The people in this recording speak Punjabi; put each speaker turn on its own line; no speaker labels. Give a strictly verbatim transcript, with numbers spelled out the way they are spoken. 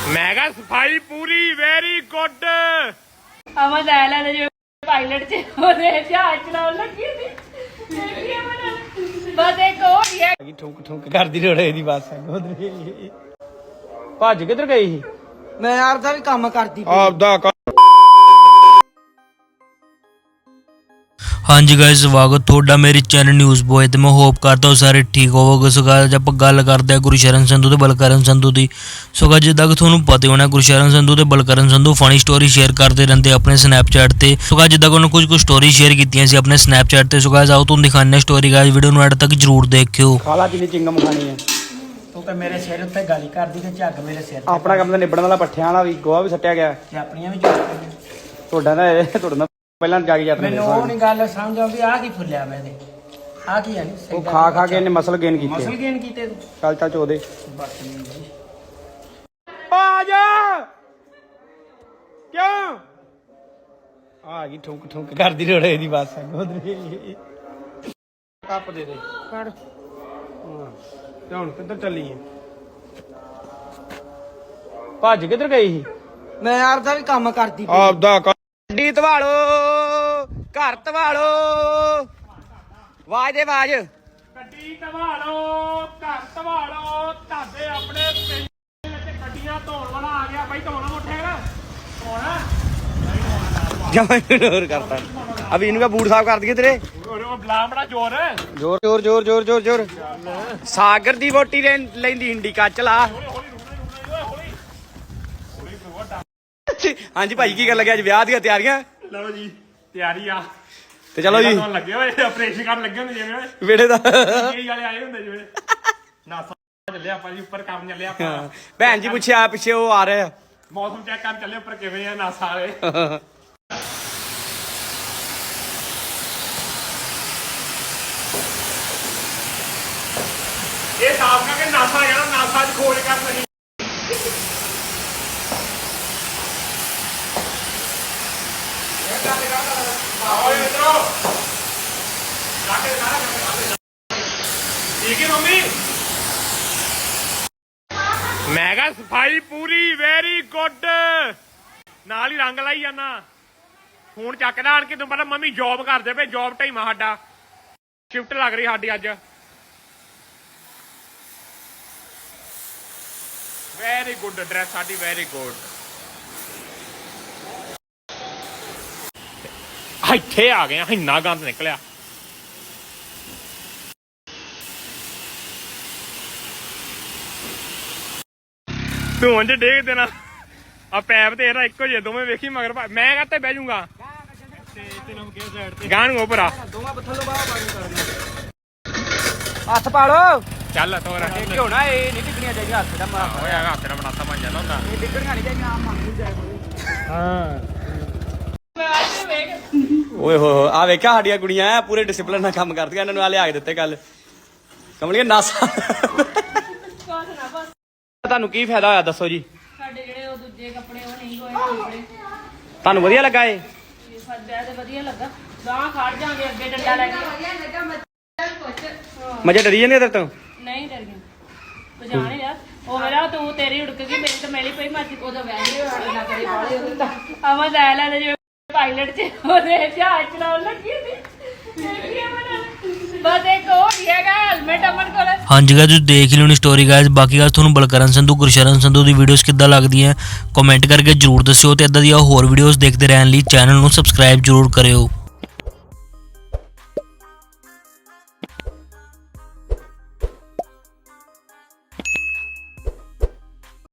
मैं कहा सफाई पूरी वेरी गुड।
अमन ਲੈ ਲੈ ਜੇ ਪਾਇਲਟ ਚ ਉਹਦੇ ਜਹਾਜ਼ ਚਲਾਉਣ ਲੱਗੀ ਸੀ ਦੇਖੀ ਅਮਨ ਬਸ ਇੱਕ ਹੋਰ ਹੀ ਹੈ
ਠੁੰਕ ਠੁੰਕ ਕਰਦੀ ਰੋੜੇ ਦੀ ਬਸ ਭੱਜ ਕਿੱਧਰ ਗਈ ਸੀ?
ਮੈਂ ਆਪਦਾ ਵੀ ਕੰਮ ਕਰਦੀ
ਆਪਦਾ
हाँ जी गाइस स्वागत थोड़ा मेरे चैनल न्यूज़ बॉय तो मैं होप करता हूँ सारे ठीक होवोगे। सो गाइस आप गल करते हैं गुरशरण संधू ते बलकरण संधू की। सो गाइस जिद्दां कि तुहानूं पता होना गुरशरण संधू ते Balkaran Sandhu funny story share करते रहते अपने स्नैपचैट ते। सो गाइस जिद्दां कि उन्होंने कुछ कुछ स्टोरी शेयर कीतियां सी अपने स्नैपचैट ते। सो गाइस आओ तुहानूं दिखाने स्टोरी गाइस वीडियो नूं एंड तक जरूर देखियो।
खाला जिन्नी चिंगम खानी है
ਤੂੰ ਤਾਂ ਮੇਰੇ ਸਿਰ ਉੱਤੇ ਗਾਲੀ ਕਰਦੀ ਤੇ ਝੱਗ ਮੇਰੇ ਸਿਰ ਤੇ
ਆਪਣਾ ਕੰਮ ਤਾਂ ਨਿਬੜਨ ਵਾਲਾ ਪੱਠਿਆਂ ਵਾਲਾ ਵੀ ਗੋਹਾ ਵੀ ਸੱਟਿਆ ਗਿਆ
ਤੇ ਆਪਣੀਆਂ ਵੀ ਚੁੱਕ
ਤੁਹਾਡਾ ਨਾ ਇਹ ਤੁਹਾਡਾ ਨਾ ਪਹਿਲਾਂ ਜਾ ਕੇ ਜਾਂਦੇ
ਮੈਨੂੰ ਉਹ ਨਹੀਂ ਗੱਲ ਸਮਝ ਆਉਂਦੀ ਆ ਕੀ ਫੁੱਲਿਆ ਮੈਂ ਤੇ ਆ ਕੀ ਹੈ ਨਹੀਂ
ਉਹ ਖਾ ਖਾ ਕੇ ਇਹਨੇ ਮਸਲ ਗੇਨ ਕੀਤੇ
ਮਸਲ ਗੇਨ ਕੀਤੇ ਤੂੰ
ਚੱਲ ਚੱਲ ਚੋਦੇ
ਬਦਤਮੀਜ਼ ਜੀ
ਆ ਜਾ ਕਿਉਂ ਆ ਗਈ ਠੁੰਕ ਠੁੰਕ ਕਰਦੀ ਰੋੜੇ ਦੀ ਬਸ ਕੱਪ ਦੇ ਦੇ ਫੜ ਹਾਂ ਤੇ ਹੁਣ ਕਿੱਧਰ ਚੱਲੀ ਹੈ ਭੱਜ ਕਿੱਧਰ ਗਈ ਸੀ?
ਮੈਂ ਆਪਦਾ ਵੀ ਕੰਮ ਕਰਦੀ
ਆਪਦਾ ਗੱਡੀ ਧਵਾਲੋ ਘਰ ਧਵਾਲੋ ਆਵਾਜ਼ ਦੇ ਆਵਾਜ਼
ਗੱਡੀ ਧਵਾਲੋ ਘਰ ਧਵਾਲੋ ਤੁਹਾਡੇ ਆਪਣੇ ਪਿੰਡ ਵਿੱਚ ਗੱਡੀਆਂ ਧੋਣ ਵਾਲਾ ਆ ਗਿਆ ਬਾਈ। ਧੋਣਾ ਮੁੱਠੇਗਾ ਧੋਣਾ
ਜਮਾ ਇਗਨੋਰ ਕਰਤਾ ਅਭੀ ਇਹਨੂੰ ਕਾ ਬੂਟ ਸਾਫ ਕਰ ਦਈਏ ਤੇਰੇ
ਉਹ ਬਲਾ ਬੜਾ ਜ਼ੋਰ
ਜ਼ੋਰ ਜ਼ੋਰ ਜ਼ੋਰ ਜ਼ੋਰ ਜ਼ੋਰ ਜ਼ੋਰ ਸਾਗਰ ਦੀ ਵੋਟੀ ਲੈਂਦੀ ਹਿੰਡੀ ਕੱਚ ਲਾ। ਹਾਂਜੀ ਭਾਈ ਕੀ ਕਰ ਲੱਗਿਆ ਅੱਜ ਵਿਆਹ ਦੀਆਂ ਤਿਆਰੀਆਂ?
ਲਓ ਜੀ ਤਿਆਰੀ ਆ
ਤੇ ਚਲੋ ਜੀ
ਲੱਗੇ ਹੋਏ ਆਪਰੇਸ਼ਨ ਕਰਨ ਲੱਗੇ ਹੁੰਦੇ ਜਿਵੇਂ
ਵੇੜੇ ਦਾ
ਕਈ ਵਾਲੇ ਆਏ ਹੁੰਦੇ ਜਿਵੇਂ ਨਾਸਾ ਚੱਲਿਆ ਆਪਾਂ ਜੀ ਉੱਪਰ ਕੰਮ ਚੱਲਿਆ ਆਪਾਂ।
ਭੈਣ ਜੀ ਪੁੱਛਿਆ ਪਿੱਛੇ ਉਹ ਆ ਰਹੇ ਆ
ਮੌਸਮ ਚੈੱਕ ਕਰਨ ਚੱਲੇ ਉੱਪਰ ਕਿਵੇਂ ਆ ਨਾਸਾ ਵਾਲੇ। ਇਹ ਸਾਫ ਕਰਕੇ ਨਾਸਾ ਜਾਣਾ ਨਾਸਾ 'ਚ ਖੋਜ ਕਰਨ ਨਹੀਂ। ठीक है मम्मी मैं कहा सफाई पूरी वेरी गुड नाल ही रंग लाई जाना फोन चकदा आन के तुम पता मम्मी जॉब करते पे जॉब टाइमा साडा शिफ्ट लग रही साडी अज वेरी गुड ड्रेस साडी वेरी गुड इत्थे आ गए इन्ना गंद निकलिया ਧੂਆਂ 'ਚ ਡੇਗ ਦੇਣਾ ਆ ਪੈਪ ਤੇ ਇਹਦਾ ਇੱਕੋ ਜਿਹੇ ਦੋਵੇਂ ਵੇਖੀ ਮਗਰ ਮੈਂ ਕਹਤੇ ਬਹਿ ਜਾਊਂਗਾ ਤੇ ਤੈਨੂੰ ਕਿਹ ਸਾਈਡ ਤੇ ਗਾਣ ਨੂੰ ਭਰਾ
ਦੋਵਾਂ ਪੱਥਲੋਂ ਬਾਹਰ ਪਾਣੀ ਕਰ ਹੱਥ ਪਾ ਲੋ
ਚੱਲ ਤੋਰਾ
ਇਹ ਕਿਉਂ ਨਾ ਇਹ ਨਹੀਂ ਡਿੱਗਣੀਆਂ ਚਾਹੀਦੀਆਂ ਹੱਥ ਦਾ ਮਾਰ
ਹੋਇਆ ਹੱਥ ਨਾਲ ਬਣਾਤਾ ਬਣ ਜਾਂਦਾ ਹੁੰਦਾ
ਇਹ ਡਿੱਗਣੀਆਂ ਨਹੀਂ ਚਾਹੀਦੀਆਂ ਆਮ ਮੰਗ ਜਾਏ ਕੋਈ
ਹਾਂ
ਮੈਂ ਅੱਜ ਵੇਖ
ਓਏ ਹੋ ਆ ਵੇਖਿਆ ਸਾਡੀਆਂ ਕੁੜੀਆਂ ਪੂਰੇ ਡਿਸਪਲਿਨ ਨਾਲ ਕੰਮ ਕਰਦੀਆਂ ਇਹਨਾਂ ਨੂੰ ਆ ਲਿਆ ਕੇ ਦਿੱਤੇ ਕੱਲ ਕਮਲੀਏ ਨਾਸਾ
ਕੋਸ ਨਾ ਬਸ
ਤੁਹਾਨੂੰ ਕੀ ਫਾਇਦਾ ਹੋਇਆ ਦੱਸੋ ਜੀ?
ਸਾਡੇ ਜਿਹੜੇ ਉਹ ਦੂਜੇ ਕੱਪੜੇ ਉਹ ਨਹੀਂ ਹੋਏ ਕੱਪੜੇ
ਤੁਹਾਨੂੰ ਵਧੀਆ ਲੱਗਾ ਇਹ
ਇਹ ਸਾਡੇ ਤੇ ਵਧੀਆ ਲੱਗਾ ਗਾਂ ਖੜ ਜਾਾਂਗੇ ਅੱਗੇ ਡੰਡਾ ਲੈ ਕੇ
ਮਜੇ ਡਰੀ ਜਾਂਦੇ ਤੇਰੇ ਤੋਂ
ਨਹੀਂ ਡਰ ਗਈ ਤੂੰ ਜਾਣੇ ਯਾਰ ਉਹ ਮੇਰਾ ਤੂੰ ਤੇਰੀ ਉੜਕ ਗਈ ਮੇਰੀ ਤਾਂ ਮੇਲੀ ਪਈ ਮੱਚ ਉਹਦਾ ਵੈਸੇ ਨਾ ਕਰੇ ਬਾਲੇ ਉਹਦੇ ਤਾਂ ਅਮਨ ਲੈ ਲੈ ਜੇ ਪਾਇਲਟ ਚ ਉਹਦੇ ਜਹਾਜ਼ ਚਲਾਉਣ ਲੱਗੀ ਸੀ ਦੇਖੀ ਅਮਨ बस एक और ही है हेलमेट अमन को
हाँ जी गाइस देख लो स्टोरी गाइस। बाकी गाइस तुहानूं बलकरण संधू गुरशरण संधू की वीडियोस किद्दां लगदियां कमेंट करके जरूर दस्सिओ ते इदां दी होर वीडियोस देखते रहने लई चैनल नूं सबसक्राइब जरूर करियो।